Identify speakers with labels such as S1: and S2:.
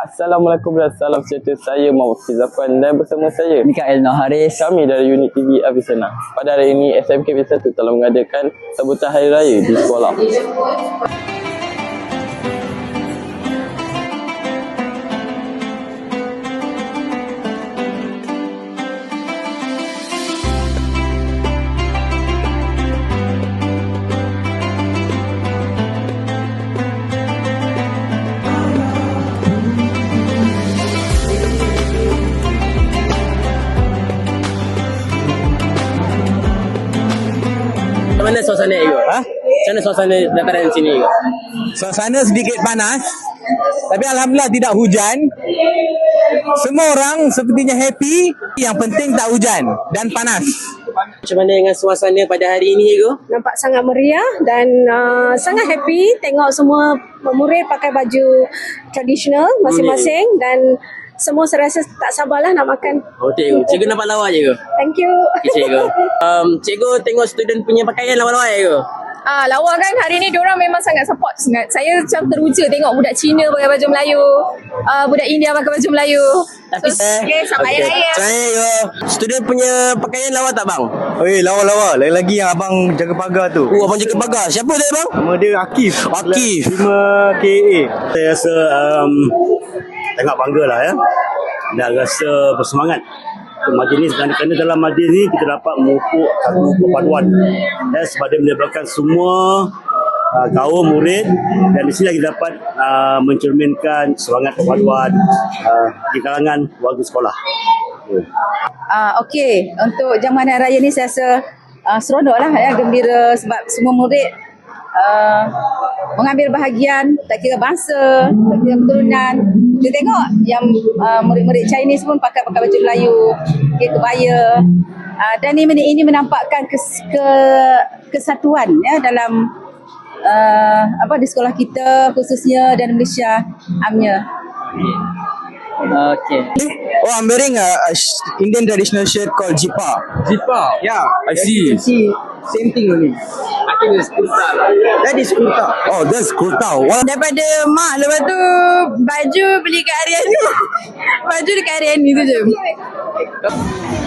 S1: Assalamualaikum dan salam sejahtera. Saya Muhammad Fizafan dan bersama saya
S2: Mikael Noharis.
S1: kami dari unit TV Avicenna. Pada hari ini SMK B1 telah mengadakan sambutan Hari Raya di sekolah. Mana suasana Ego? Macam mana suasana dataran sini Ego?
S2: Suasana sedikit panas, tapi alhamdulillah tidak hujan. Semua orang sepertinya happy. Yang penting tak hujan dan panas.
S1: Macam mana dengan suasana pada hari ini Ego?
S3: Nampak sangat meriah dan sangat happy tengok semua murid pakai baju tradisional masing-masing dan semua saya rasa tak sabarlah nak makan.
S1: Oh, cikgu. Cikgu nampak lawa Cikgu.
S3: Thank you.
S1: Okay, cikgu. Cikgu tengok student punya pakaian lawa-lawa Cikgu.
S4: Lawa kan hari ni diorang memang sangat support sangat. Saya macam teruja tengok budak Cina pakai baju Melayu, budak India pakai baju Melayu.
S1: Tapi
S4: Selamat Hari Raya.
S1: Saya student punya pakaian lawa tak bang?
S5: Oi, lawa-lawa. Lain lagi yang abang jaga pagar tu.
S1: Oh, abang jaga pagar. Siapa tu bang?
S5: Nama dia Akif.
S1: Akif.
S5: 5 KA. Saya rasa sangat bangga lah ya. Dan rasa bersemangat untuk majlis kerana dalam majlis ni kita dapat memupuk satu perpaduan ya, sebab dia menyebabkan semua kaum murid dan di sini kita dapat mencerminkan semangat perpaduan di kalangan warga sekolah.
S4: Okey, untuk jamuan Hari Raya ni saya rasa seronok lah ya, gembira sebab semua murid mengambil bahagian, tak kira bangsa, tak kira keturunan. Kita tengok yang murid-murid Chinese pun pakai baju Melayu, kebaya. Dan ini menampakkan kesatuan ya dalam di sekolah kita khususnya dan Malaysia amnya.
S2: Okay. Oh, I'm wearing a Indian traditional shirt called Jipa.
S1: Jipa.
S2: Yeah,
S1: I see.
S2: Same thing only.
S1: I think it's kurta.
S2: That is kurta.
S5: Oh, that's kurta. What?
S4: Daripada mak, lepas tu baju beli kat Harian tu. Baju dekat Harian ni tu je.